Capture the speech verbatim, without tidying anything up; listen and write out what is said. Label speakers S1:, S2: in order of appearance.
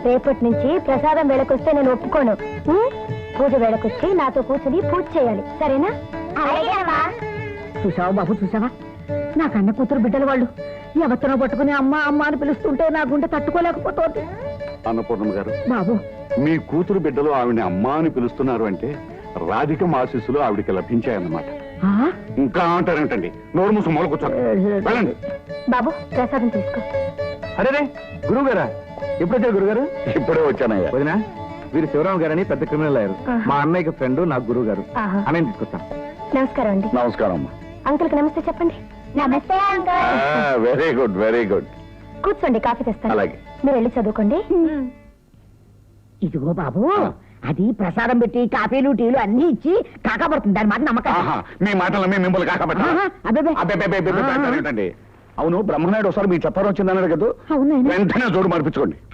S1: రేపటి నుంచి ప్రసాదం వేళకొస్తే నేను ఒప్పుకోను. ఉం? పూజ వేళకొచ్చి నాతో కూర్చుని పూజ చేయాలి, సరేనా?
S2: చూసావా బాబు, చూసావా? నా కన్న కూతురు బిడ్డల వాళ్ళు ఎవరినో పట్టుకుని అమ్మ అమ్మ అని పిలుస్తుంటే నా గుండె తట్టుకోలేకపోతుంది.
S3: అన్నపూర్ణమ్మ గారు,
S2: బాబు
S3: మీ కూతురు బిడ్డలు ఆవిడని అమ్మ అని పిలుస్తున్నారు అంటే రాధిక ఆశీస్సులు ఆవిడికి లభించాయన్నమాట.
S2: ఆ?
S3: ఇంకా అంటారేంటండి? నోరు మూసు మొదలు కూర్చోండి, వెళ్ళండి.
S1: బాబు ప్రసాదం తీసుకో.
S4: అరే గురువు గారా, ఎప్పుడు వచ్చారు గురుగారు?
S3: ఇప్పుడే వచ్చానయ్యా.
S4: వదినా, వీరు శివరామ గారని పెద్ద క్రిమినల్ అయ్యారు.
S1: ఆహా.
S4: మా అన్నయ్యకి ఫ్రెండ్, నాకు గురువు గారు.
S1: ఆహా.
S4: అన్నయ్య తీసుకొస్తాను.
S1: నమస్కారం అండి.
S3: నమస్కారం అమ్మా.
S1: అంకుల్ కి నమస్తే చెప్పండి. నమస్తే uncle.
S3: Very good, very good.
S1: కూర్చోండి, కాఫీ తెస్తాను.
S3: అలాగే.
S1: మీరు వెళ్ళి చదువుకోండి.
S2: ఇదిగో బాబు, అది ప్రసాదం పెట్టి కాఫీలు టీలు అన్ని ఇచ్చి కాకపడుతుంది. దాని మాట నమ్మకం.
S3: ఆహా, మీ మాటలు మీ మిమ్మల్ని కాకబెట్టా?
S2: ఆహా, అబ్బబ్బే.
S3: అబ్బే, అవును బ్రహ్మనాయుడు ఒకసారి మీ చెప్పారు వచ్చిందన్నారు కదా,
S2: అవునండి.
S3: వెంటనే జోడు మార్పించుకోండి.